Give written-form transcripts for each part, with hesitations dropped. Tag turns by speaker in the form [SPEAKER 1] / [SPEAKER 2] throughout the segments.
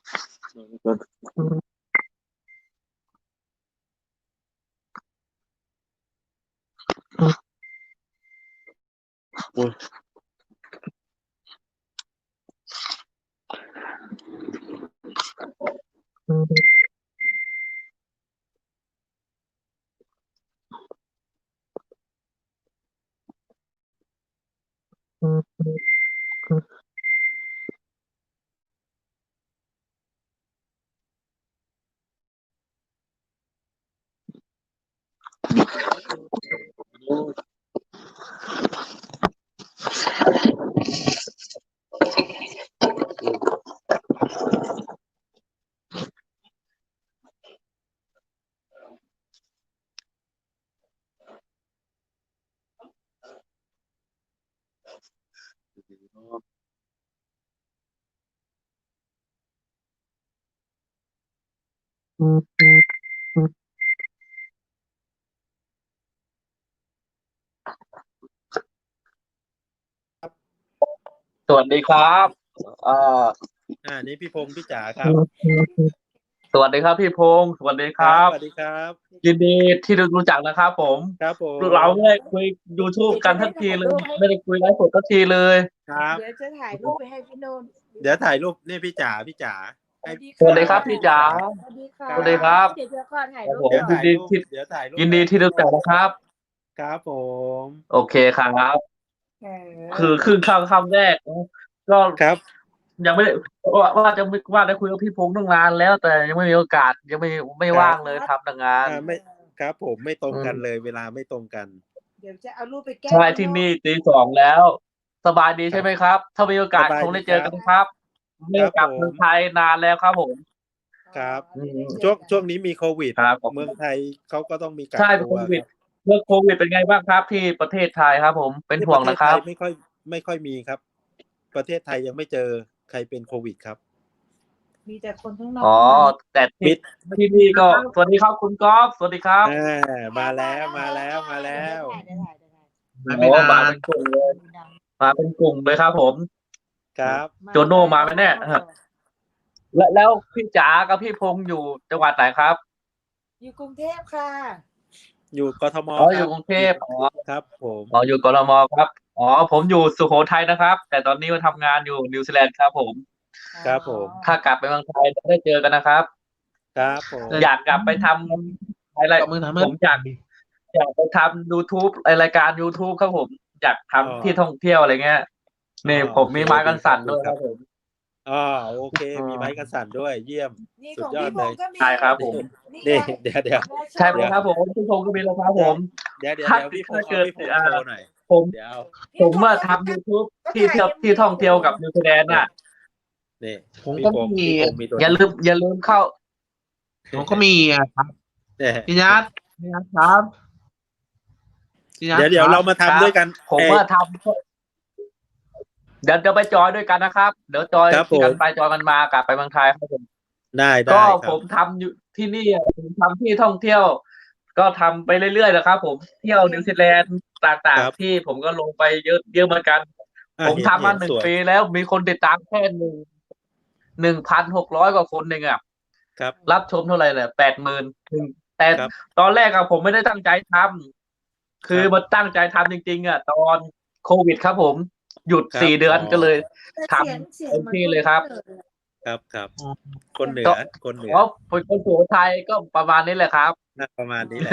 [SPEAKER 1] สวัสดีครับอ่า
[SPEAKER 2] นี่พี่พงศ์พี่จ๋าครับ
[SPEAKER 1] สวัสดีครับพี่พงศ์สวัสดีค
[SPEAKER 2] ค
[SPEAKER 1] รั
[SPEAKER 2] รับบ สวัสดีครับ
[SPEAKER 1] ยินดีที่ได้รู้จักนะครับผม
[SPEAKER 2] ครับผม
[SPEAKER 1] เราไม่ได้คุย YouTube กันทักทีเลยไม่ได้คุยไลฟ์สดทักทีเลย
[SPEAKER 2] ครับ
[SPEAKER 3] เดี๋ยวจะถ่ายรูปไปให้พี่โนนท์
[SPEAKER 2] เดี๋ยวถ่ายรูปนี่พี่จ๋าให้
[SPEAKER 1] สวัสดีครับพี่จ๋า
[SPEAKER 3] สวัสดีค่ะ
[SPEAKER 1] สวัสดีครับ
[SPEAKER 3] เดี๋ยวก่อนถ่ายรูป
[SPEAKER 2] เดี๋ยว
[SPEAKER 3] ก่อน
[SPEAKER 2] ถ่ายรูปเดี๋ยวถ่ายรูป
[SPEAKER 1] ยินดีที่รู้จักนะครับ
[SPEAKER 2] ครับผม
[SPEAKER 1] โอเคครับ
[SPEAKER 3] เออ
[SPEAKER 1] คือครึ่งคำแรกก็
[SPEAKER 2] ครับ
[SPEAKER 1] ยังไม่ได้ว่าได้คุยกับพี่พงศ์ตั้งนานแล้ว แต่ยังไม่มีโอกาสยังไม่ว่างเลยทำงาน
[SPEAKER 2] ไม่ครับผมไม่ตรงกันเลยเวลาไม่ตรงกัน
[SPEAKER 3] เดี๋ยวจะเอารูปไปแก้
[SPEAKER 1] ใช่ที่นี่ตีสองแล้ว สบายดีใช่ไหมครับ ถ้ามีโอกาสคงได้เจอกันครับไม่ได้กลับเมืองไทยนานแล้วครับผม
[SPEAKER 2] ครับ
[SPEAKER 3] ไม่ได้เจอกัน
[SPEAKER 2] ช่วงนี้มีโควิด
[SPEAKER 1] ครับ
[SPEAKER 2] เมืองไทยเขาก็ต้องมีกัก
[SPEAKER 1] ใช่
[SPEAKER 2] ตั
[SPEAKER 1] โคว วิดเรื่องโควิดเป็นไงบ้างครับ ที่ประเทศไทยครับ ผมเป็น
[SPEAKER 2] ที่
[SPEAKER 1] ห่วง
[SPEAKER 2] ประเทศ
[SPEAKER 1] นะค
[SPEAKER 2] ไท
[SPEAKER 1] รับ
[SPEAKER 2] ยไม่ค่อยมีครับ ประเทศไทยยังไม่เจอใครเป็นโควิดครับ
[SPEAKER 3] มีแต่คนข้างนอก
[SPEAKER 1] อ๋อแต่ที่นี่ก็สวัสดีครับคุณก๊อฟสวัสดีครับ
[SPEAKER 2] มาแล้ว
[SPEAKER 3] เดี๋ยวถ่าย
[SPEAKER 1] โอ้มาเป็นกลุ่มเลยมาเป็นกลุ่มเลยครับผม
[SPEAKER 2] ครับ
[SPEAKER 1] โจโน่มาไหมเนี่ย แล้วพี่จ๋ากับพี่พงษ์อยู่จังหวัดไหนครับ
[SPEAKER 3] อยู่กรุงเทพค่ะ
[SPEAKER 2] อยู่กทม
[SPEAKER 1] อ๋อ
[SPEAKER 2] ค
[SPEAKER 1] อ
[SPEAKER 2] รั
[SPEAKER 1] ยู่
[SPEAKER 2] บ
[SPEAKER 1] กรุงเทพอ๋อ
[SPEAKER 2] ครับผม
[SPEAKER 1] อ๋ออยู่กทมครับอ๋อผมอยู่สุโขทัยนะครับ แต่ตอนนี้มาทำงานอยู่นิวซีแลนด์ครับผม
[SPEAKER 2] ครับผม
[SPEAKER 1] ถ้ากลับไปเมืองไทยจะได้เจอกันนะครับ
[SPEAKER 2] ครับผม
[SPEAKER 1] อยากกลับไปทำอะไรผมอยากไปทำ YouTube รายการ YouTube ครับผมอยากทำที่ท่องเที่ยวอะไรเงี้ยนี่ผมมีไม้กันสั่นด้วยครับผม
[SPEAKER 2] โอเคมีไม้กันสั่นด้วยเยี่ยม
[SPEAKER 3] นี่
[SPEAKER 2] สุ
[SPEAKER 3] ข
[SPEAKER 2] ด
[SPEAKER 3] อง
[SPEAKER 2] ยอด
[SPEAKER 3] พี่พ
[SPEAKER 2] เล
[SPEAKER 3] ง
[SPEAKER 2] ย
[SPEAKER 3] ศ์ก็มี
[SPEAKER 1] ใช่ครับผม
[SPEAKER 2] นี่เดี๋ยว
[SPEAKER 1] ใช่ไหมครับผมพี่พงษ์ก็มีแล้วครับผม
[SPEAKER 2] เดี๋ยวพี่พงศ์
[SPEAKER 1] ถ้าเกิด
[SPEAKER 2] พี่พงศ์โชว์หน่อย
[SPEAKER 1] ผม
[SPEAKER 2] เดี๋ยว
[SPEAKER 1] ผมว่าทำ YouTube ที่เที่ยวที่ท่องเที่ยวกับนิวซีแลนด์น่ะ
[SPEAKER 2] นี่
[SPEAKER 4] ผม
[SPEAKER 2] พี่
[SPEAKER 4] ก็
[SPEAKER 2] พงศ์
[SPEAKER 4] มี
[SPEAKER 2] พี่พงศ์มีตัว
[SPEAKER 1] อย่าลืมเข้า
[SPEAKER 4] ผมก็มีอะครับ
[SPEAKER 2] เนี่ย
[SPEAKER 4] พี่นัทครับพี่นัท
[SPEAKER 2] เดี๋ยว
[SPEAKER 4] คบ
[SPEAKER 2] เรามาทำด้วยกัน
[SPEAKER 1] ผมว่าทำเดี๋ยวไปจอยด้วยกันนะครับ เดี๋ยวจอย
[SPEAKER 2] ครับผม
[SPEAKER 1] กันไปจอยกันมากลับไปเมืองไทยครับผม
[SPEAKER 2] ได้
[SPEAKER 1] ก็
[SPEAKER 2] ค
[SPEAKER 1] ผ
[SPEAKER 2] รับ
[SPEAKER 1] มทำอยู่ที่นี่ผมทำที่ท่องเที่ยว ก็ทำไปเรื่อยๆนะครับ ผมเที่ยวนิวซีแลนด์ต่าง
[SPEAKER 2] ครับ
[SPEAKER 1] ๆที่ผมก็ลงไปเยอะเหมือนกัน ผมทำมาหนึ่ง
[SPEAKER 2] สวย
[SPEAKER 1] ปีแล้วมีคนติดตามแค่1,600 กว่าคนเองอ่ะ
[SPEAKER 2] ครับ
[SPEAKER 1] รับชมเท่าไหร่แหละ80,000แต่
[SPEAKER 2] ครับ
[SPEAKER 1] ตอนแรกอะผมไม่ได้ตั้งใจทำคือ
[SPEAKER 2] ครับ
[SPEAKER 1] มาตั้งใจทำจริงๆอะตอนโควิดครับผมหยุด
[SPEAKER 2] ครับ
[SPEAKER 1] 4 เดือน
[SPEAKER 2] อ๋อ
[SPEAKER 1] ก็เลย ทำ
[SPEAKER 3] เสียง
[SPEAKER 1] เต็มที่เลยครับ
[SPEAKER 2] ครับคนเหนื
[SPEAKER 1] ก็
[SPEAKER 2] อคนเหนือ
[SPEAKER 1] เพราะเป็นคนสุโขทัยก็ประมาณนี้แหละครับ
[SPEAKER 2] ประมาณนี้แหละ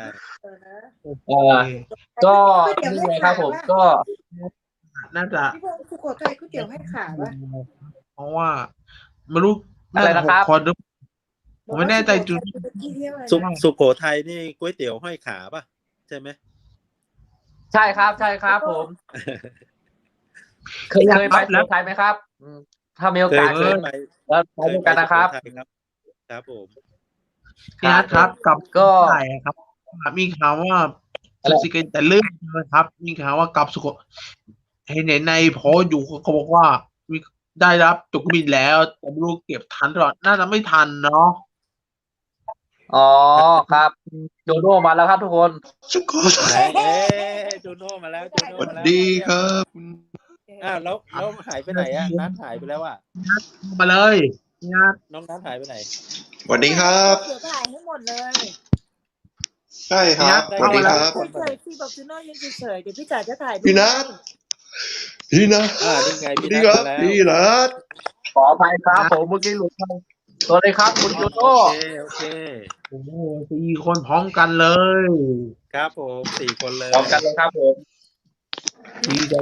[SPEAKER 1] ก็นี่ไงครับผมก็
[SPEAKER 4] น่าจะ
[SPEAKER 3] พี่พงศ์สุโขทัยก๋วยเตี๋ยวให้ขาป่ะ
[SPEAKER 4] เพราะว่าไม่รู้
[SPEAKER 1] อะไรนะครับ
[SPEAKER 4] 6 คนหรือผมไม่แน่ใจจุด
[SPEAKER 2] สุโขทัยนี่ก๋วยเตี๋ยวห้อยขาป่ะใช่ไหม
[SPEAKER 1] ใช่ครับผม เคยไปสุโขทัยไหมครับถ้ามีโอกาส
[SPEAKER 2] เคยไป
[SPEAKER 1] แล้วไปด้วยกันนะครับ
[SPEAKER 2] สุโขทัยครับผม
[SPEAKER 4] พี่นัทครับกับ
[SPEAKER 1] ก็
[SPEAKER 4] ไทยครับ มีข่าวว่าสุสิเกนแต่เรื่องนะครับ มีข่าวว่ากับสุโขเห็นในโพสต์อยู่เขาบอกว่ามีได้รับตั๋วเครื่องบินแล้วแต่ไม่รู้เก็บทันหรือเปล่าน่าจะไม่ทันเนาะ
[SPEAKER 1] อ๋อครับโดโน่มาแล้วครับทุกคน
[SPEAKER 4] สุโขทัย
[SPEAKER 2] จูโน่มาแล้ว
[SPEAKER 4] สวัสดีครับ
[SPEAKER 2] แล้วหายไปไหนอ่ะนัดหายไปแล้วอ่ะ
[SPEAKER 4] มาเลยพี่นัท
[SPEAKER 2] น้องน้ำหายไปไหน
[SPEAKER 5] สวัสดีครับ
[SPEAKER 3] เดี๋ยวถ่ายให้หมดเลย
[SPEAKER 5] ใช่ครับ
[SPEAKER 2] ได้
[SPEAKER 5] สวัสดีครับ
[SPEAKER 3] เฉยๆพี่บอกจูโน่ยืนเฉยๆเดี๋ยวพี่จ๋าจะถ่ายรูป
[SPEAKER 5] พี่นัท พี่นัท
[SPEAKER 2] นี่ไง
[SPEAKER 5] สวั
[SPEAKER 2] พี่
[SPEAKER 5] สดี
[SPEAKER 2] นัท
[SPEAKER 5] ครับ
[SPEAKER 2] มาแล้ว
[SPEAKER 5] พี่นัท
[SPEAKER 1] ขออภัยครับผมเมื่อกี้หลุดไปสวัสดีครับคุณโจโน่
[SPEAKER 2] โอเค
[SPEAKER 4] โอ้โห4 คนพร้อมกันเลย
[SPEAKER 2] ครับผม4 คนเลย
[SPEAKER 1] พร้อมกันเลยครับผม
[SPEAKER 4] ดีใจ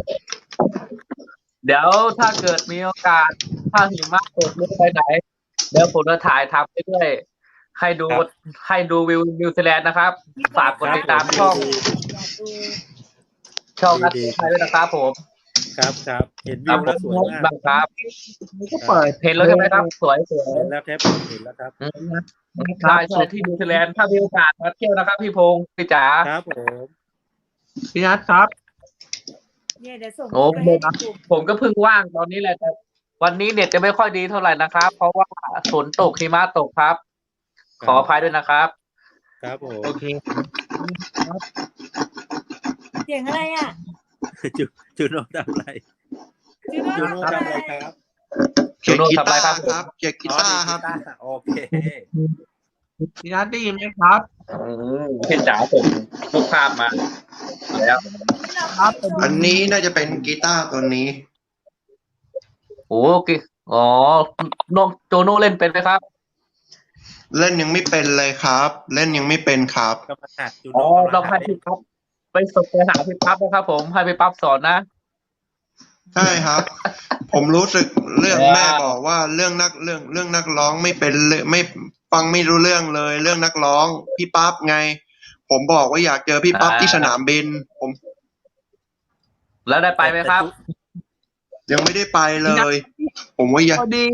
[SPEAKER 1] เดี๋ยวถ้าเกิดมีโอกาสถ้าหิมะตกหรือไปไหน เดี๋ยวผมจะถ่ายทำไปด้วยให้ดูวิวนิวซีแลนด์นะครับ ฝากกดติดตามช่อง
[SPEAKER 3] อยากดู
[SPEAKER 1] นัดไทยด้วยนะครับผม
[SPEAKER 2] ครับเห็น
[SPEAKER 1] ค
[SPEAKER 2] วิ
[SPEAKER 1] รับ
[SPEAKER 2] ว
[SPEAKER 1] ผ
[SPEAKER 2] แล้ว
[SPEAKER 1] ม
[SPEAKER 2] สวยมาก
[SPEAKER 1] บ้างครับ
[SPEAKER 4] ก็เปิด
[SPEAKER 1] เห็นแล้วใช่ไหมครับสวย
[SPEAKER 2] เห็นแล้วครับเห็นแล้วครับ
[SPEAKER 1] ใช่ใช่ที่นิวซีแลนด์ถ้ามีโอกาสมาเที่ยวนะครับพี่พงศ์พี่จ๋า
[SPEAKER 2] ครับผม
[SPEAKER 4] พี่นัทครับ
[SPEAKER 3] เนี่ยเดี๋ยวส่ง
[SPEAKER 1] โอ้
[SPEAKER 3] รูปไปให้ในกลุ่ม
[SPEAKER 1] ผมก็เพิ่งว่างตอนนี้แหละแต่วันนี้เน็ตจะไม่ค่อยดีเท่าไหร่นะครับ เพราะว่าฝนตกหิมะตกครับ ขออภัยด้วยนะครับ
[SPEAKER 2] ครับผม
[SPEAKER 4] โอเค
[SPEAKER 3] เสียงอะไรอ่ะ
[SPEAKER 2] จูโน่ทำอะไร
[SPEAKER 3] จูโน่
[SPEAKER 2] จูโน่
[SPEAKER 3] ทำ
[SPEAKER 2] ทำ
[SPEAKER 3] อะ
[SPEAKER 2] อะไร ไรครับ
[SPEAKER 5] เขียนกีตาร์
[SPEAKER 1] ครับ
[SPEAKER 5] ครับเขียนกีตาร์ครับ
[SPEAKER 2] โอเค
[SPEAKER 4] พี่นัทได้ยินไหมครับ
[SPEAKER 1] พี่จ๋าส่งรูปภาพมาแล้ว
[SPEAKER 4] ครับ
[SPEAKER 5] อันนี้น่าจะเป็นกีตาร์ตัวนี้
[SPEAKER 1] โอเคอ๋อน้องโจโน่เล่นเป็นไหมครับ
[SPEAKER 5] เล่นยังไม่เป็นเลยครับ เล่นยังไม่เป็นครับ
[SPEAKER 2] กำลังหัดจู
[SPEAKER 1] อ๋อ
[SPEAKER 2] โน่
[SPEAKER 1] ต้องให้พี่ปั๊บไปฝึกไปหาพี่ปั๊บนะครับผมให้พี่ปั๊บสอนนะ
[SPEAKER 5] ใช่ครับ ผมรู้สึกเรื่อง
[SPEAKER 1] ว้าว
[SPEAKER 5] แม่บอกว่าเรื่องนักร้องไม่เป็นเลยไม่ฟังไม่รู้เรื่องเลย เรื่องนักร้องพี่ปั๊บไง ผมบอกว่าอยากเจอพี่ปั๊บที่สนามบิน ผม
[SPEAKER 1] แล้วได้ไปไหมครับ
[SPEAKER 5] ยังไม่ได้ไปเลย ผมว่าอยาก
[SPEAKER 4] พอดี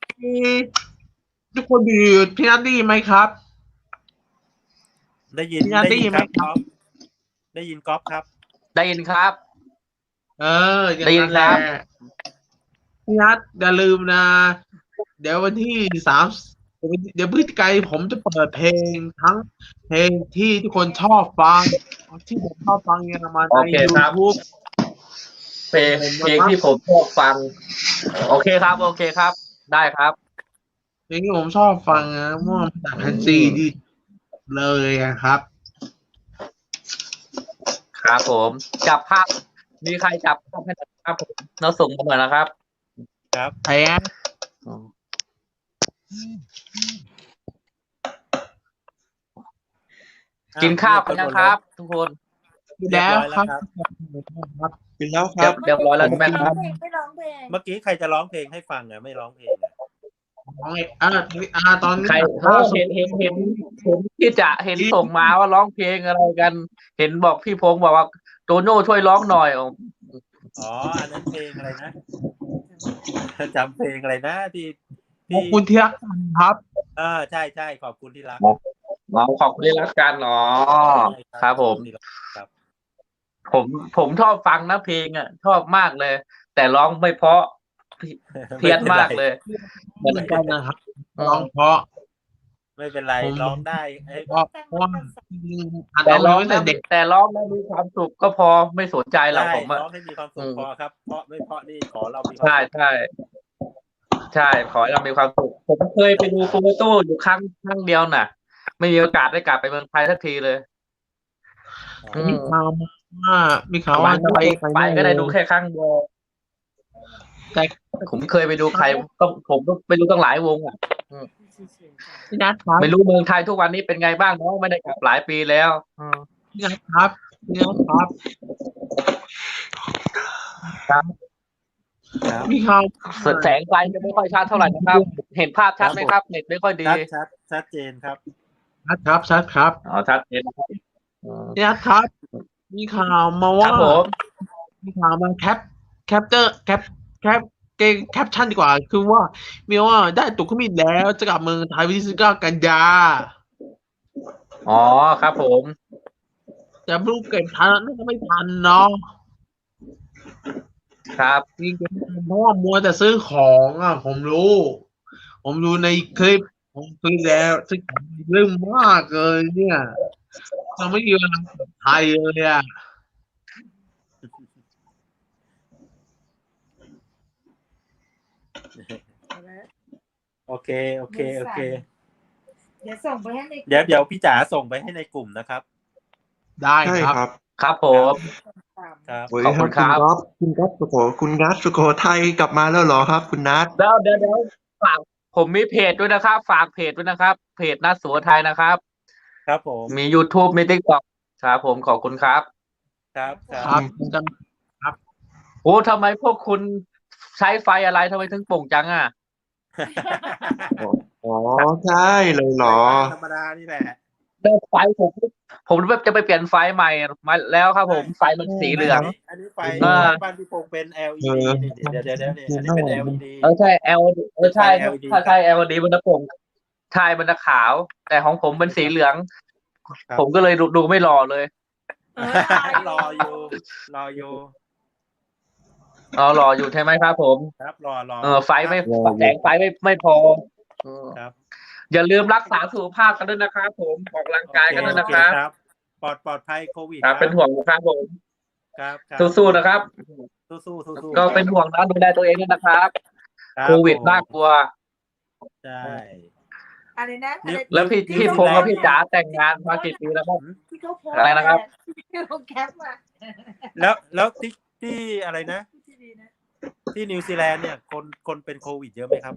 [SPEAKER 4] ทุกคนดีพี่นัทได้ยินไหมครับ
[SPEAKER 2] ได้ยิน
[SPEAKER 4] พี่นัทได้ยินไหมครับ
[SPEAKER 2] ได้ยินก๊อฟครับ
[SPEAKER 1] ได้ยินครับ
[SPEAKER 4] อย่าง
[SPEAKER 1] ได้ยินครับ
[SPEAKER 4] แหละพี่นัทอย่าลืมนะ เดี๋ยววันที่เดี๋ยวพฤศจิกายนผมจะเปิดเพลงทั้งเพลงที่ทุกคนชอบฟัง ที่ผมชอบฟังเนี่ยมา
[SPEAKER 1] โอ
[SPEAKER 4] ใน
[SPEAKER 1] เคครับ
[SPEAKER 4] YouTube
[SPEAKER 1] เพลงที่ผมชอบฟัง โอเคครับ โอเคครับ ได้ครับ
[SPEAKER 4] เพลงที่ผมชอบฟังนะมั่วมาจากแผ่นซีดีเลยอะครับ
[SPEAKER 1] ครับผมจับภาพมีใครจับภาพให้หน่อยครับผมเราส่งมาหน่อยนะครับ
[SPEAKER 2] ครับ
[SPEAKER 4] แพ้
[SPEAKER 1] กินข้าวกันยังครับ ทุกคน
[SPEAKER 4] แล้วครับ
[SPEAKER 5] เป็นแล้วครับ
[SPEAKER 1] เรียบร้อยแล้วใช่ไหมครับ
[SPEAKER 3] ไม่ร้องเพลง
[SPEAKER 2] เมื่อกี้ใครจะร้องเพลงให้ฟังอ่ะไม่ร้องเพลงอ่ะ
[SPEAKER 4] ตอนนี้
[SPEAKER 1] ใครเห็นที่จะเห็นส่งมาว่าร้องเพลงอะไรกัน เห็นบอกพี่พงศ์บอกว่าโตโน่ช่วยร้องหน่อย
[SPEAKER 2] อ๋ออันนั้นเพลงอะไรนะจำเพลงอะไรนะที่
[SPEAKER 4] ขอบคุณที่รักกันครับ
[SPEAKER 2] ใช่ขอบคุณที่รัก
[SPEAKER 1] อ๋อขอบคุณที่รักกันอ๋อครับผม
[SPEAKER 2] ครับ
[SPEAKER 1] ผมชอบฟังนะเพลงอ่ะ ชอบมากเลย แต่ร้องไม่เพราะเพี้ยนมากเลย
[SPEAKER 4] เหมือนกันนะครับร้องเพราะ
[SPEAKER 2] ไม่เป็นไรร้องได้เอ้ย
[SPEAKER 4] เพราะว่าอัน
[SPEAKER 1] แต่
[SPEAKER 4] นั้น
[SPEAKER 1] ร้
[SPEAKER 4] เรา
[SPEAKER 1] อง
[SPEAKER 4] ตั้งแต่เด็ก
[SPEAKER 1] แต่ร้องแล้วมีความสุขก็พอไม่สนใจหรอก
[SPEAKER 2] ได้
[SPEAKER 1] ผมอะ
[SPEAKER 2] ร้องให้มีความสุขพอครับเพราะไม่เพราะนี่ขอเรามีความ
[SPEAKER 1] ใช่
[SPEAKER 2] สุข
[SPEAKER 1] ใช่ขอให้เรามีความสุขผมเคยไปดูโปรโต้อยู่ครั้งเดียวน่ะ ไม่มีโอกาสได้กลับไปเมืองไทยสักทีเลย
[SPEAKER 4] มีข่าวว่ามีข่าวว่าจะไป
[SPEAKER 1] ไปก็ได้ดูแค่ครั้งเดียว
[SPEAKER 4] แต่
[SPEAKER 1] ผมเคยไปดูใครผมก็ไปดูตั้งหลายวงอ่ะ
[SPEAKER 4] พี่นัทครับ
[SPEAKER 1] ไม่รู้เมืองไทยทุกวันนี้เป็นไงบ้างเนาะไม่ได้กลับหลายปีแล้ว
[SPEAKER 4] พี่นัทครับพี่นัทครับ
[SPEAKER 2] ครับ
[SPEAKER 4] มีข่าว
[SPEAKER 1] แสงไฟจะไม่ค่อยชัดเท่าไหร่นะครับ เห็นภาพชัดไหมครับเน็ตไม่ค่อยดี
[SPEAKER 2] ชัดเจนครับ
[SPEAKER 4] ชัดครับ
[SPEAKER 1] อ๋อชัดเจนนะครับ
[SPEAKER 4] พี่นัทครับ มีข่าวมา
[SPEAKER 1] ค
[SPEAKER 4] ว่า
[SPEAKER 1] รับผม
[SPEAKER 4] มีข่าวมาแคปชั่นดีกว่า คือว่ามีว่าได้ตั๋วเครื่องบินแล้วจะกลับเมืองไทยวันที่19 กันยา
[SPEAKER 1] อ๋อครับผม
[SPEAKER 4] แต่ไม่รู้เก็บทันน่าจะไม่ทันเนาะ
[SPEAKER 1] ครับ
[SPEAKER 4] จริงๆเพราะว่ามัวแต่ซื้อของอ่ะ ผมรู้ในคลิปผมซื้อแล้วซื้อของเรื่องมากเลยเนี่ยเราไม่มีเวลาเปิดไทยเลยอ่ะ
[SPEAKER 3] เอาละ
[SPEAKER 2] โอเคโอเคโอเค
[SPEAKER 3] เดี๋ยวส่งไปให้ใน
[SPEAKER 2] เดี๋ยวพี่จ๋าส่งไปให้ในกลุ่มนะครับ
[SPEAKER 4] ได้
[SPEAKER 5] ใช่
[SPEAKER 4] ครับ
[SPEAKER 5] ครับ
[SPEAKER 1] ครับผม
[SPEAKER 2] ครับ
[SPEAKER 5] สวัส
[SPEAKER 1] ข
[SPEAKER 5] ดี
[SPEAKER 1] อบ
[SPEAKER 5] ค
[SPEAKER 1] คุ
[SPEAKER 5] รับ
[SPEAKER 1] ณครับ
[SPEAKER 5] คุณก๊อฟคุณนัทสุโขทัยกลับมาแล้วเหรอครับ คุณนัท
[SPEAKER 1] เดี๋ยวฝากผมมีเพจด้วยนะครับ ฝากเพจด้วยนะครับ เพจนัทสุโขทัยนะครับ
[SPEAKER 2] ครับผม
[SPEAKER 1] มี YouTube มี TikTok ครับผมขอบคุณครับ
[SPEAKER 2] ครับค
[SPEAKER 4] ค
[SPEAKER 2] รั
[SPEAKER 4] รับ บ
[SPEAKER 1] โอ้ทำไมพวกคุณใช้ไฟอะไรทำไมถึงโป่งจังอ่ะ
[SPEAKER 5] อ๋อใช่เลยเหรอ
[SPEAKER 2] ธรรมดานี่แหละ
[SPEAKER 1] เลิกไฟผมแบบจะไปเปลี่ยนไฟใหม่มาแล้วครับผมไฟมันสีเหลือง
[SPEAKER 2] อันนี้ไฟ
[SPEAKER 1] อ่า
[SPEAKER 2] บ้านพี่พงษ์เป็น LED
[SPEAKER 5] เออ
[SPEAKER 2] นี่เดี๋ยวนี่อันนี้เป็น LED
[SPEAKER 1] ใช่ LED ใช่
[SPEAKER 2] ไฟ LED
[SPEAKER 1] ถ้าใช่ LED มันจะโป่งใช่มันจะขาว แต่ของผมเป็นสีเหลือง
[SPEAKER 2] ครับ
[SPEAKER 1] ผมก็เลยดูไม่หล่อเลย
[SPEAKER 2] รออยู่รออยู่
[SPEAKER 1] อ๋อหล่ออยู่ใช่ไหมครับผม
[SPEAKER 2] ครับรอ
[SPEAKER 1] ไฟไม่แสงไฟไม่พอ
[SPEAKER 2] ครับ
[SPEAKER 1] อย่าลืมรักษาสุขภาพกันด้วยนะครับผมออกกำลังกายกันด้วยนะครับ
[SPEAKER 2] ครับปลอดภัยโควิด
[SPEAKER 1] ครับเป็นห่วงนะครับผม
[SPEAKER 2] ครับ
[SPEAKER 1] สู้ๆนะครับ
[SPEAKER 2] สู้ๆ
[SPEAKER 1] ก็เป็นห่วงนะดูแลตัวเองด้วยนะครับ
[SPEAKER 2] รับ
[SPEAKER 1] โควิดน่ากลัว
[SPEAKER 2] ใช่
[SPEAKER 3] อะไรนะอะไร
[SPEAKER 1] แล้วพี่พงษ์กับพี่จ๋าแต่งงานมากี่ปีแล้วครับ
[SPEAKER 3] ที่เขาโพสต์
[SPEAKER 1] อะไรนะครับ
[SPEAKER 3] ที่เขาแคปมา
[SPEAKER 2] แล้วที่อะไรนะ
[SPEAKER 3] ที่ดีนะ
[SPEAKER 2] ที่นิวซีแลนด์เนี่ยคนเป็นโควิดเยอะไหมครับ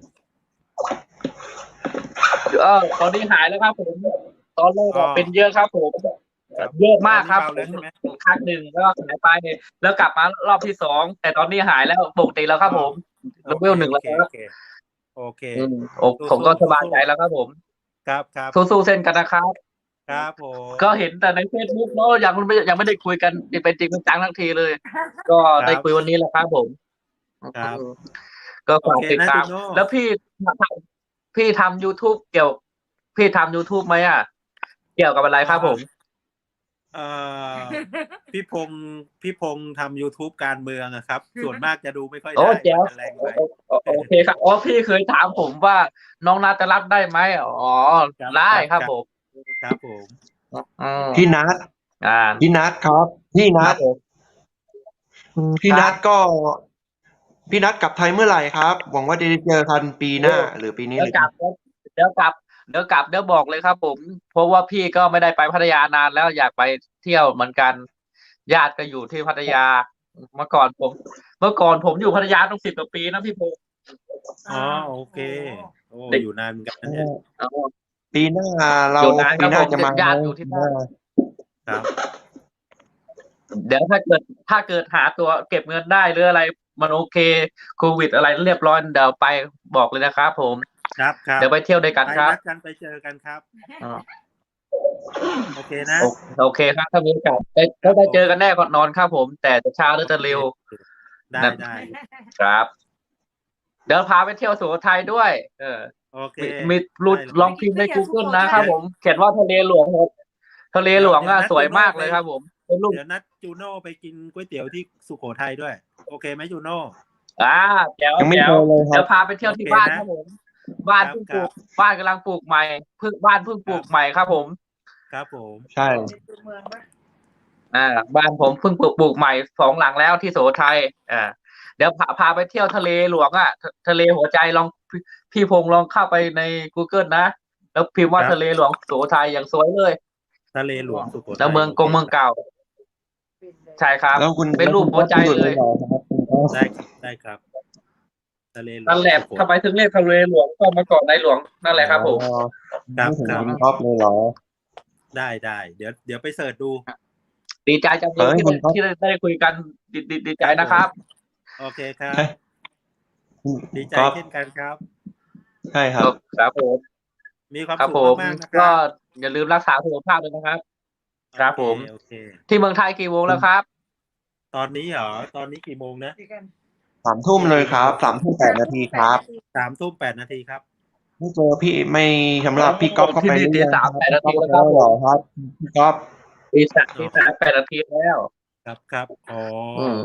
[SPEAKER 1] ตอนนี้หายแล้วครับผมตอนแรก
[SPEAKER 2] อ๋อ
[SPEAKER 1] เป็นเยอะครับผม
[SPEAKER 2] ครับ
[SPEAKER 1] เยอะมากครับ
[SPEAKER 2] ตอนนี้
[SPEAKER 1] ผ
[SPEAKER 2] เบาแล้ว
[SPEAKER 1] ม
[SPEAKER 2] ใช่ไหม
[SPEAKER 1] ครั้งหนึ่งแล้วก็หายไปแล้วกลับมารอบที่สองแต่ตอนนี้หายแล้วปกติแล้วครับผมเลเวลหนึ่งแล้วครับ
[SPEAKER 2] โอเค
[SPEAKER 1] ผมก็สบายใจแล้วครับผม
[SPEAKER 2] ครับ
[SPEAKER 1] สู้ๆเส้นกันนะครับ
[SPEAKER 2] ครับผม
[SPEAKER 1] ก็เห็นแต่ในเฟซบุ๊กเนาะยังไม่ได้คุยกันเป็นจริงเป็นจังทั้งทีเลย ก็ได้คุยวันนี้แหละครับผม
[SPEAKER 2] ครับ
[SPEAKER 1] ก็ฝากติดตาม
[SPEAKER 2] โอเคนะจูโน่
[SPEAKER 1] แล้วพี่ทำ YouTube พี่ทำ YouTube ไหมอ่ะ เกี่ยวกับอะไรครับผม
[SPEAKER 2] เอ่อพี่พงษ์ทำ YouTube การเมืองอะครับ ส่วนมากจะดูไม่ค่อย
[SPEAKER 1] โอ้
[SPEAKER 2] ได้
[SPEAKER 1] แจ๋ว
[SPEAKER 2] มันจะแรงไป
[SPEAKER 1] โอเคครับพี่เคยถามผมว่าน้องนาจะรับได้ไหมอ๋อ
[SPEAKER 2] ครับ
[SPEAKER 1] ได้ครับผม
[SPEAKER 2] ครับผม
[SPEAKER 5] พี่นัท
[SPEAKER 1] อ่า
[SPEAKER 5] พี่นัทครับ พี่
[SPEAKER 1] ค
[SPEAKER 5] นั
[SPEAKER 1] รั
[SPEAKER 5] ท
[SPEAKER 1] บผม
[SPEAKER 5] พี่นัทก็ พี่นัทกลับไทยเมื่อไหร่ครับหวังว่าจะได้เจอกันปีหน้า หรือปีนี้
[SPEAKER 1] เดี๋ยวกลับเดี๋ยวบอกเลยครับผม เพราะว่าพี่ก็ไม่ได้ไปพัทยานานแล้วอยากไปเที่ยวเหมือนกัน ญาติก็อยู่ที่พัทยา เมื่อก่อนผมอยู่พัทยาต้อง10 กว่าปีนะพี่พงษ์
[SPEAKER 2] อ๋อโอเคโอ้
[SPEAKER 1] เด็ก
[SPEAKER 2] อยู่นานเหมือนกันนะเนี่ย
[SPEAKER 5] ปีหน้าเรา
[SPEAKER 1] อยู่นานครับ
[SPEAKER 5] ปีหน้า
[SPEAKER 1] ผม
[SPEAKER 5] จะมา
[SPEAKER 1] ญาติอยู่ที่บ้าน
[SPEAKER 2] ครับ
[SPEAKER 1] เดี๋ยวถ้าเกิดหาตัวเก็บเงินได้หรืออะไรมันโอเคโควิดอะไรเรียบร้อยเดี๋ยวไปบอกเลยนะครับผม
[SPEAKER 2] ครับครับ
[SPEAKER 1] เดี๋ยวไปเที่ยวด้วยกัน
[SPEAKER 2] ไป
[SPEAKER 1] ครับ
[SPEAKER 2] นัดกันไปเจอกันครับ
[SPEAKER 1] อ่า
[SPEAKER 2] โอเคนะ
[SPEAKER 1] โอเคครับถ้ามีโอกาสได้เจอกันแน่ก่อนนอนครับผม แต่จะช้าหรือจะเร็ว
[SPEAKER 2] ได้ได้
[SPEAKER 1] ครับ เดี๋ยวพาไปเที่ยวสุโขทัยด้วย
[SPEAKER 2] โอเค
[SPEAKER 1] มีรูด
[SPEAKER 2] ได้
[SPEAKER 1] ลองพิมพ์ใน Google นะครับผม เขียนว่าทะเลหลวงครับทะเลหลวงอ่ะสวยมากเลยครับผมเป็นรูป
[SPEAKER 2] เดี๋ยวนัดจูโน่ไปกินก๋วยเตี๋ยวที่สุโขทัยด้วย โอเคไหมจูโน่
[SPEAKER 1] แจ๋ว
[SPEAKER 5] ยังไม่
[SPEAKER 1] แจ๋
[SPEAKER 5] เจ
[SPEAKER 1] ว
[SPEAKER 5] อเลยค
[SPEAKER 1] เดี๋
[SPEAKER 5] รั
[SPEAKER 1] ยว
[SPEAKER 5] บ
[SPEAKER 1] พาไปเที่ยวที่
[SPEAKER 2] โอเค
[SPEAKER 1] บ้าน
[SPEAKER 2] นะครับ
[SPEAKER 1] ผม บ้าน
[SPEAKER 2] ครับ
[SPEAKER 1] เพิ่งปลูก
[SPEAKER 2] ครับ
[SPEAKER 1] บ้านกำลังปลูกใหม่บ้านเพิ่งปลูกใหม่ครับผม
[SPEAKER 2] ครับผม
[SPEAKER 5] ใช่
[SPEAKER 3] ในตัวเมืองปะ
[SPEAKER 1] บ้านผมเพิ่งปลูกใหม่2 หลังแล้วที่สุโขทัยเดี๋ยวพาไปเที่ยวทะเลหลวงอ่ะทะเลหัวใจลองพี่พงษ์ลองเข้าไปใน Google นะแล้วพิมพ์ว่าทะเลหลวงสุโขทัยอย่างสวยเลย
[SPEAKER 2] ทะเลหลวงสุโขทัย
[SPEAKER 1] แล้วเมืองเก่า ใช่ครับ
[SPEAKER 5] แล้วคุณ
[SPEAKER 1] เป็นรูปหัวใจเลย
[SPEAKER 2] ได้ครับทะเลหลวง
[SPEAKER 1] นั่นแหละ
[SPEAKER 2] สุโข
[SPEAKER 1] ทำไมถึงเรียกทะเลหลวงก็มาก่อนในหลวงนั่นแหละครับผม
[SPEAKER 2] ครับ
[SPEAKER 5] ไม่ถึง
[SPEAKER 2] ครับ
[SPEAKER 5] คุณก๊อฟเลยเหรอ
[SPEAKER 2] ได้เดี๋ยวไปเสิร์ชดู
[SPEAKER 1] ดีใจจังเล
[SPEAKER 5] เฮ้
[SPEAKER 1] ย
[SPEAKER 5] ยคุณครับ
[SPEAKER 1] ที่ได้คุยกันดีใจนะครับ
[SPEAKER 2] โอเคครับ ดีใจ
[SPEAKER 5] ก๊อฟ
[SPEAKER 2] เช่นกันครับ
[SPEAKER 5] ใช่ครับ
[SPEAKER 1] ครับผม
[SPEAKER 2] มีความ
[SPEAKER 1] ครับ
[SPEAKER 2] สุ
[SPEAKER 1] ผ
[SPEAKER 2] ข
[SPEAKER 1] ม
[SPEAKER 2] มากๆนะค
[SPEAKER 1] ก็
[SPEAKER 2] รับ
[SPEAKER 1] อย่าลืมรักษาสุขภาพด้วยนะครับ ครับผม
[SPEAKER 2] โอเค
[SPEAKER 1] ที่เมืองไทยกี่โมงแล้วครับ
[SPEAKER 2] ตอนนี้เหรอตอนนี้กี่โมงนะ
[SPEAKER 3] เดี๋ยวกัน
[SPEAKER 5] 3 ทุ่มเลยครับ 3 ทุ่ม 8 นาทีครับ
[SPEAKER 2] 3 ทุ่ม 8 นาทีครับ
[SPEAKER 5] ไม่เจอพี่ไม่สำหรับพี่ก๊อฟเข้าไป
[SPEAKER 1] ที่นี่
[SPEAKER 5] หรือยัง
[SPEAKER 1] ตี 3 8 นาที
[SPEAKER 5] พี่
[SPEAKER 1] แล้ว
[SPEAKER 5] ก๊อฟ
[SPEAKER 1] ครับ
[SPEAKER 5] แล้วเหรอครับพี่ก๊อฟ
[SPEAKER 1] ตีสาม8 นาทีแล้ว
[SPEAKER 2] ครับอ๋อ
[SPEAKER 1] อืม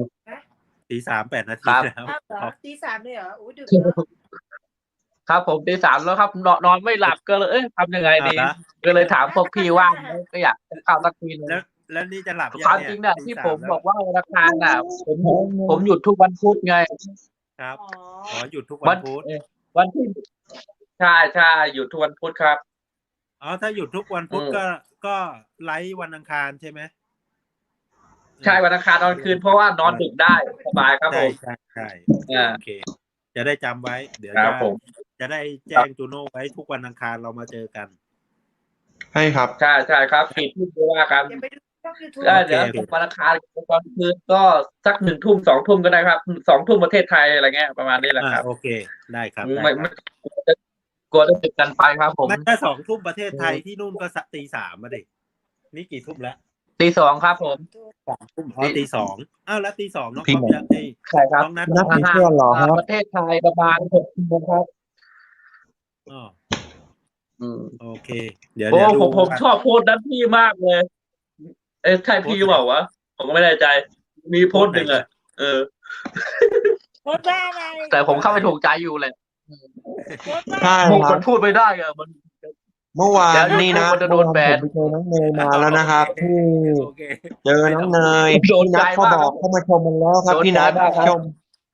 [SPEAKER 2] 3 8 นาที
[SPEAKER 1] ครับ
[SPEAKER 2] แล้ว
[SPEAKER 3] อ้าวเหรอ
[SPEAKER 2] ครับ
[SPEAKER 3] ตี 3เลยเหรออู้ดึกเนอะ
[SPEAKER 1] ครับผมตี 3แล้วครับนอนไม่หลับก็เลยทำยังไงดี
[SPEAKER 2] เอาละ
[SPEAKER 1] ก็เลยถามพวกพี่ว่างไหมก็อยากจะเข้าสักทีนึง
[SPEAKER 2] แล้วนี่จะหลับ
[SPEAKER 1] ความจริงเนี่ยที่ผมบอกว่าวันอังคารน่ะผมหยุดทุกวันพุธไง
[SPEAKER 2] ครับ
[SPEAKER 3] อ๋อ
[SPEAKER 2] อ๋อหยุดทุกวันพุธ
[SPEAKER 1] วันที่ใช่ใช่อยู่ทุกวันพุธครับ
[SPEAKER 2] อ๋อถ้าหยุดทุกวันพุธ
[SPEAKER 1] อืม
[SPEAKER 2] ก็ไลฟ์วันอังคารใช่ไหม
[SPEAKER 1] ใช่วันอังคารตอนคืนเพราะว่านอนดึกได้สบายครับผ
[SPEAKER 2] ใช่
[SPEAKER 1] ม
[SPEAKER 2] ใช่
[SPEAKER 1] อ่า
[SPEAKER 2] โอเค จะได้จำไว้ เดี๋ยว
[SPEAKER 1] ครับผม
[SPEAKER 2] จะได้แจ้งจูโน่ไว้ทุกวันอังคารเรามาเจอกัน
[SPEAKER 5] ใช่ครับ
[SPEAKER 1] ใช่ใช่ครับ4 ทุ่มก็ว่ากัน
[SPEAKER 3] อย่าไปดูช่อง YouTube
[SPEAKER 1] ก็เดี๋ยว
[SPEAKER 2] โอเค
[SPEAKER 1] วันอังคารตอนคืนก็สัก1 ทุ่ม2 ทุ่มก็ได้ครับ2 ทุ่มประเทศไทยอะไรเงี้ยประมาณนี้แหละครับ
[SPEAKER 2] โอเคได้ครับ
[SPEAKER 1] ไม่กลัวจะติดกันไปครับผม
[SPEAKER 2] ไม่ถ้า2 ทุ่มประเทศไทยที่นู่นก็ตี 3มาดินี่กี่ทุ่มแล้ว
[SPEAKER 1] ตี 2ครับผม
[SPEAKER 2] 3 ทุ่มอ๋อตี 2อ้าวแล้วตี 2น้อง
[SPEAKER 4] พี่
[SPEAKER 2] ก๊อฟ
[SPEAKER 4] หมอ
[SPEAKER 2] ยังไง
[SPEAKER 1] ใช่ครับ
[SPEAKER 2] น้องนัท
[SPEAKER 4] นัดมีเพื่อนเหรอครับ
[SPEAKER 1] ประเทศไทยประมาณ6 ชั่วโมงครับ
[SPEAKER 2] อ๋อ
[SPEAKER 1] อืม
[SPEAKER 2] โอเค เดี๋ยว
[SPEAKER 1] โอ้
[SPEAKER 2] ดู
[SPEAKER 1] ผมชอบโพสต์นั้นพี่มากเลย ใช่พี่เปล่าวะผมก็ไม่แน่ใจ มีโพสต์หนึ่งอะเออ
[SPEAKER 3] โพสต์ว่าอะไร
[SPEAKER 1] แต่ผมเข้าไปถูกใจอยู่เลย
[SPEAKER 3] โพสต์ว่า
[SPEAKER 5] ใช่
[SPEAKER 1] มุก
[SPEAKER 5] ครั
[SPEAKER 1] มั
[SPEAKER 5] บ
[SPEAKER 1] นพูดไม่ได้อะมัน
[SPEAKER 5] เมื่อวาน
[SPEAKER 1] เดี๋ยว
[SPEAKER 5] นี่นะ
[SPEAKER 1] มันจะโดนแบน
[SPEAKER 4] ผมไปเจอน้องเนยมา
[SPEAKER 5] มาแล้วนะครับ
[SPEAKER 4] ที่
[SPEAKER 2] โอเค
[SPEAKER 5] เจอน้องเนย
[SPEAKER 1] โดน
[SPEAKER 5] พี่นัท
[SPEAKER 1] ใจ
[SPEAKER 5] เขา
[SPEAKER 1] มาก
[SPEAKER 5] บอกเขามาชมมันแล้วครับ
[SPEAKER 1] โดน
[SPEAKER 5] พี่นัท
[SPEAKER 1] ใจมากครับ
[SPEAKER 5] ชม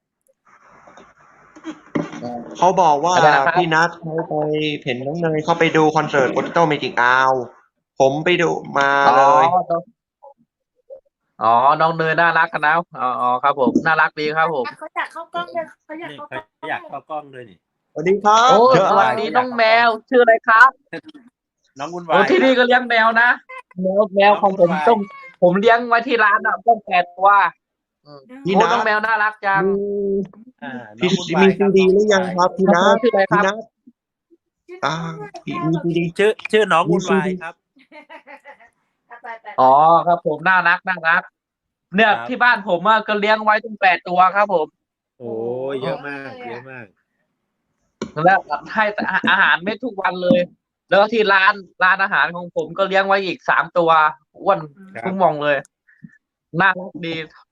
[SPEAKER 5] เขาบอกว่า
[SPEAKER 1] อะไรนะครับ
[SPEAKER 5] พี่นัทเขาไปเห็นน้องเนยเขาไปดูคอนเสิร์ต Potato Magic Hour ผมไปดูมาเลย
[SPEAKER 1] อ๋อน้องเนยน่ารักกันนะอ๋อครับผมน่ารักดีครับผม
[SPEAKER 3] เขาอยากเข้ากล้องเลยเขาอยาก
[SPEAKER 2] นี่
[SPEAKER 3] เข้ากล้อง
[SPEAKER 2] อยากเข้ากล้องด้วยนี่
[SPEAKER 5] สวัสดีครับ
[SPEAKER 1] โอ้
[SPEAKER 5] เชิญ
[SPEAKER 1] สวัสดีน้องแมวชื่ออะไรครับ
[SPEAKER 2] น้องวุ่น
[SPEAKER 1] โอ้
[SPEAKER 2] วาย
[SPEAKER 1] ที่นี่ก็เลี้ยงแมวนะแมวของผมต้องผมเลี้ยงไว้ที่ร้านอ่ะต้อง8 ตัว
[SPEAKER 5] พี่
[SPEAKER 1] โอ้
[SPEAKER 5] นั
[SPEAKER 1] น้อง
[SPEAKER 5] ท
[SPEAKER 1] แมวน่ารักจัง
[SPEAKER 2] อ่า
[SPEAKER 5] พี่
[SPEAKER 2] น้องวุ่นวา
[SPEAKER 5] มี
[SPEAKER 2] ยค
[SPEAKER 5] ซี
[SPEAKER 2] รับ
[SPEAKER 5] ดีหรือยังครับพี่นัท
[SPEAKER 1] ชื่ออะไรค
[SPEAKER 5] พี่
[SPEAKER 1] รับ
[SPEAKER 5] นัทอ่าพี่มีซีดี
[SPEAKER 2] ชื่อน้องวุ่นวายครับ
[SPEAKER 3] ไป
[SPEAKER 1] อ๋อครับผมน่ารักเนี่ย
[SPEAKER 2] ครับ
[SPEAKER 1] ที่บ้านผมก็เลี้ยงไว้ตั้ง8 ตัวครับผม
[SPEAKER 2] โอ้ยเยอะมากเยอะมาก
[SPEAKER 1] แล้วให้อาหารเม็ดทุกวันเลย แล้วที่ร้านอาหารของผมก็เลี้ยงไว้อีก3 ตัวอ้วน
[SPEAKER 2] ครับ
[SPEAKER 1] ทุกมองเลยน่ารักดี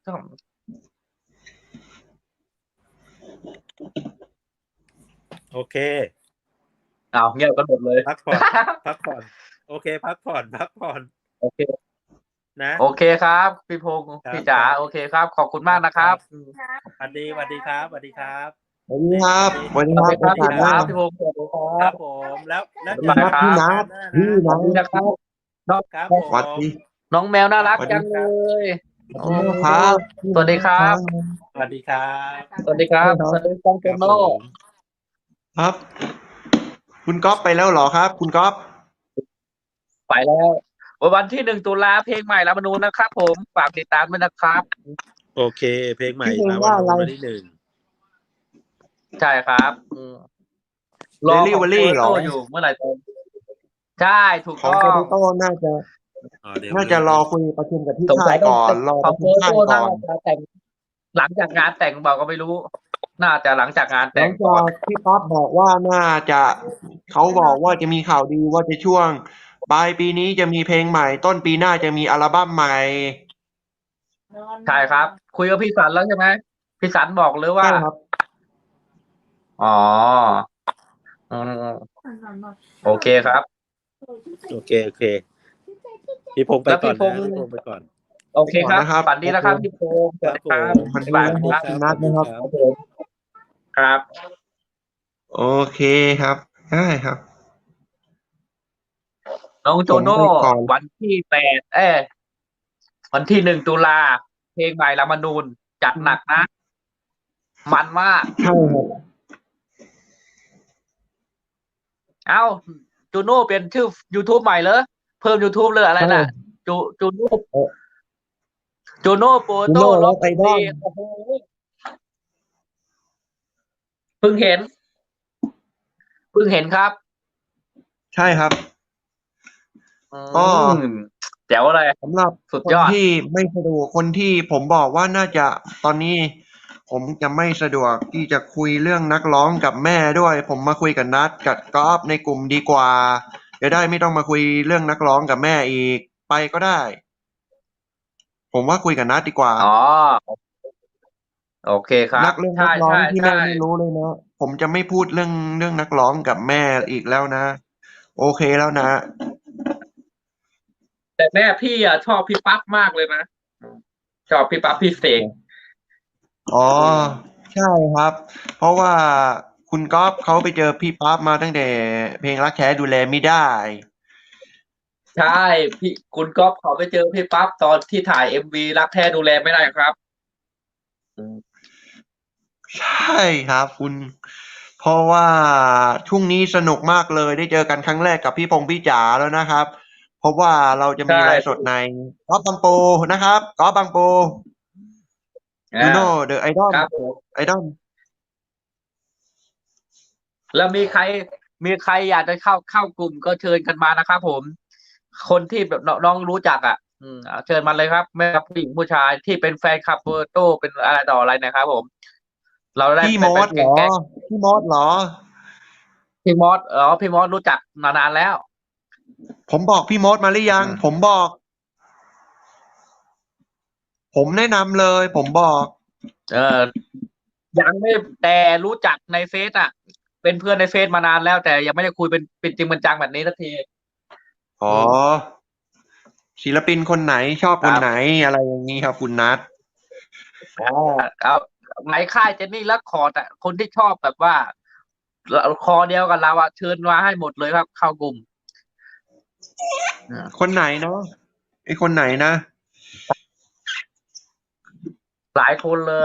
[SPEAKER 2] โอเค
[SPEAKER 1] เอาเงียบกันหมดเลย
[SPEAKER 2] พักผ่อน พักผ่อน โอเค พักผ่อน
[SPEAKER 1] โอเค
[SPEAKER 2] นะ
[SPEAKER 1] โอเคครับพี่พงศ์
[SPEAKER 2] ครับ
[SPEAKER 1] พี่จ๋าโอเคครับ ขอบคุณมากนะครับ
[SPEAKER 2] สวัสดีครับ
[SPEAKER 5] สวัสดีครับสวัสดี
[SPEAKER 1] ส
[SPEAKER 5] ค
[SPEAKER 1] วั
[SPEAKER 5] รั
[SPEAKER 1] ส
[SPEAKER 5] บ
[SPEAKER 1] ดีครับ
[SPEAKER 5] โอกาสหน้า
[SPEAKER 1] พี่พงศ์สวัสดีค
[SPEAKER 2] ค
[SPEAKER 1] รั
[SPEAKER 2] รั
[SPEAKER 1] บบ
[SPEAKER 2] ผมแล้วเจ
[SPEAKER 1] บ๊า
[SPEAKER 2] อย
[SPEAKER 1] บาย
[SPEAKER 2] กัน
[SPEAKER 1] ครับ
[SPEAKER 2] พี่
[SPEAKER 5] พี่
[SPEAKER 2] นั
[SPEAKER 5] นั
[SPEAKER 2] ท
[SPEAKER 5] ท
[SPEAKER 1] นะครับ
[SPEAKER 2] ครับ
[SPEAKER 5] สวัสดี
[SPEAKER 1] น้องแมวน่ารัก
[SPEAKER 5] สวัสดี
[SPEAKER 1] จังเลย
[SPEAKER 5] ขอบคุณมากครับ
[SPEAKER 1] สวัสดีครับ
[SPEAKER 2] สวัสดีครับ
[SPEAKER 1] สวัสดีครับสวัสดีจังเก
[SPEAKER 2] ครับ
[SPEAKER 1] โน
[SPEAKER 2] ผม
[SPEAKER 5] ครับ คุณก๊อฟไปแล้วเหรอครับ คุณก๊อฟ
[SPEAKER 1] ไปแล้ววันที่1 ตุลาเพลงใหม่รัฐธรรมนูญนะครับ ผมฝากติดตามด้วยนะครับ
[SPEAKER 2] โอเค เพลงใหม่
[SPEAKER 4] พี่เพลง
[SPEAKER 2] ลา
[SPEAKER 4] ว่า
[SPEAKER 2] วัน
[SPEAKER 4] อะไร
[SPEAKER 2] วันที่ 1
[SPEAKER 1] ใช่ครับรอของ
[SPEAKER 5] Delivery เหรอ
[SPEAKER 1] โตอยู่เมื่อไหร่จะใช่ถูก
[SPEAKER 4] ของ
[SPEAKER 1] ต้อ
[SPEAKER 4] โป
[SPEAKER 1] ง
[SPEAKER 4] เตโต้น่าจะ
[SPEAKER 2] อ๋อเดี๋ยว
[SPEAKER 4] น่าจะรอคุยประชุมกับที่
[SPEAKER 1] สงสั
[SPEAKER 4] ค่าย ย
[SPEAKER 1] ต้
[SPEAKER 4] ก่
[SPEAKER 1] อง
[SPEAKER 4] อนรอ
[SPEAKER 1] ข
[SPEAKER 4] ป
[SPEAKER 1] อง
[SPEAKER 4] ระ
[SPEAKER 1] โต
[SPEAKER 4] ชุมค่าย
[SPEAKER 1] โต้
[SPEAKER 4] ก่
[SPEAKER 1] น่า
[SPEAKER 4] อน
[SPEAKER 1] จะแต่งหลังจากงานแต่งบอกก็ไม่รู้ น่าจะหลังจากงาน
[SPEAKER 4] ห
[SPEAKER 1] แต่
[SPEAKER 4] ลั
[SPEAKER 1] ง
[SPEAKER 4] ง
[SPEAKER 1] ก่อ
[SPEAKER 4] จาน กพี่ป๊อปบอกว่าน่าจะเขาบอกว่าจะมีข่าวดีว่าจะช่วงปลายปีนี้จะมีเพลงใหม่ ต้นปีหน้าจะมีอัลบั้มใหม่
[SPEAKER 1] ใช่ครับ คุยกับพี่สันแล้วใช่ไหมพี่สันบอกเลยว่า
[SPEAKER 4] ใช่ครับ
[SPEAKER 1] อ๋ออืมโอเคครับ
[SPEAKER 2] โอเคพี่พงษ์ไป
[SPEAKER 1] แล้วพี่
[SPEAKER 2] ก่อน
[SPEAKER 1] พงษ์
[SPEAKER 2] นะพี่พงษ์ไปก่อน
[SPEAKER 1] โอเคครับ
[SPEAKER 5] นะครับ
[SPEAKER 1] ฝันดีนะครับพี่โพงศ์สวัสดีครับ
[SPEAKER 2] ครับผม
[SPEAKER 1] บ๊ายบายครับ
[SPEAKER 4] คุณนัทนะครับ
[SPEAKER 1] ครับผมครับ
[SPEAKER 5] โอเคครับได้ครับ
[SPEAKER 1] น้องโจโน่
[SPEAKER 4] ผมไปก่อน
[SPEAKER 1] วันที่วันที่1 ตุลาเพลงใหม่รัฐธรรมนูญจัดหนักนะ มันมาก
[SPEAKER 4] ใช่ครับ
[SPEAKER 1] เอ้าจูโน่เปลี่ยนชื่อ YouTube ใหม่เลยเพิ่ม YouTube เลยอะไรน่ะ จูโน่จูโน่โปรโต้
[SPEAKER 4] Juno
[SPEAKER 1] ล็อก
[SPEAKER 4] Rock Idol
[SPEAKER 1] โอ้โหเพิ่งเห็นครับ
[SPEAKER 5] ใช่ครับ
[SPEAKER 1] อื
[SPEAKER 5] ก็
[SPEAKER 1] มแจ๋วเลย
[SPEAKER 4] สำหรับ
[SPEAKER 1] สุด
[SPEAKER 5] คน
[SPEAKER 1] ยอด
[SPEAKER 5] ที่ไม่สะดวกคนที่ผมบอกว่าน่าจะตอนนี้ ผมจะไม่สะดวกที่จะคุยเรื่องนักร้องกับแม่ด้วย ผมมาคุยกับนัดกับก๊อฟในกลุ่มดีกว่าจะได้ไม่ต้องมาคุยเรื่องนักร้องกับแม่อีกไปก็ได้ ผมว่าคุยกับนัดดีกว่า
[SPEAKER 1] อ๋อ โอเคครับ
[SPEAKER 5] นักเรื่องนั
[SPEAKER 1] ใช่
[SPEAKER 5] กร้อง
[SPEAKER 1] ใช่
[SPEAKER 5] ที่แม่
[SPEAKER 1] ใช่
[SPEAKER 5] ไม่รู้เลยนะผมจะไม่พูดเรื่องนักร้องกับแม่อีกแล้วนะ โอเคแล้วนะ
[SPEAKER 1] แต่แม่พี่ชอบพี่ปั๊บมากเลยนะชอบพี่ปั๊บพี่เสก
[SPEAKER 5] อ๋อใช่ครับ เพราะว่าคคุณก๊อฟเขาไปเจอพี่ปั๊บมาตั้งแต่เพลงรักแท้ดูแลไม่ได้
[SPEAKER 1] ใช่พี่คุณก๊อฟเขาไปเจอพี่ปั๊บตอนที่ถ่ายMVรักแท้ดูแลไม่ได้ครับอืม
[SPEAKER 5] ใช่ครับคุณ เพราะว่าช่วงนี้สนุกมากเลยได้เจอกันครั้งแรกกับพี่พงษ์พี่จ๋าแล้วนะครับ เพราะว่าเราจะมี
[SPEAKER 1] ใช่
[SPEAKER 5] ไลฟ์สดในก๊อฟบางปูนะครับก๊อฟบางปู you know the idol
[SPEAKER 1] ครับผม
[SPEAKER 5] idol
[SPEAKER 1] แล้วมีใครอยากจะเข้ากลุ่มก็เชิญกันมานะครับผม คนที่แบบน้องรู้จักอ่ะเชิญมาเลยครับไม่ว่าผู้หญิงผู้ชายที่เป็นแฟนคลับเวอร์โต้เป็นอะไรต่ออะไรนะครับผม เราได้
[SPEAKER 5] พี่มดเหรอ
[SPEAKER 1] แก๊ง
[SPEAKER 5] พี่มดเหรอ
[SPEAKER 1] พี่มอสพี่มอสรู้จักมานานแล้ว
[SPEAKER 5] ผมบอกพี่มดมาหรือยัง ผมบอก ผมแนะนำเลย ผมบอก
[SPEAKER 1] ยังไม่แต่รู้จักในเฟซอ่ะ เป็นเพื่อนในเฟซมานานแล้ว แต่ยังไม่ได้คุยเป็นจริงเป็นจังแบบนี้สักที
[SPEAKER 5] อ๋อ ศิลปินคนไหนชอบคนไหนอะไรอย่างนี้ครับคุณนัท
[SPEAKER 1] เอาในค่ายเจนนี่และคอร์ดอ่ะคนที่ชอบแบบว่าคอเดียวกับเราอ่ะเชิญมาให้หมดเลยครับ เข้ากลุ่ม
[SPEAKER 5] คนไหนเนาะไอคนไหนนะ
[SPEAKER 1] หลายคนเลย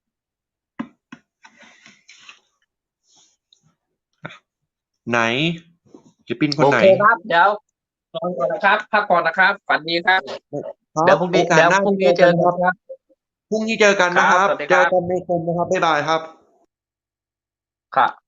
[SPEAKER 5] ไหนศิลปินคน
[SPEAKER 1] โอ
[SPEAKER 5] ไหน
[SPEAKER 1] เคครับ เดี๋ยวนอนก่อนนะครับพักผ่อนนะครับฝันดีครับ เดี๋ยวพรุ่งนี้
[SPEAKER 5] โอกาส
[SPEAKER 1] เดี๋ยว
[SPEAKER 5] หน้า
[SPEAKER 1] พรุ่งนี้เจอกันครับ
[SPEAKER 5] พรุ่งนี้เจอกันนะครับ
[SPEAKER 1] ครับสวัสดี
[SPEAKER 5] เจ
[SPEAKER 1] ครั
[SPEAKER 5] อบ กันในคนนะครับบ๊ายบายครับ
[SPEAKER 1] ครับ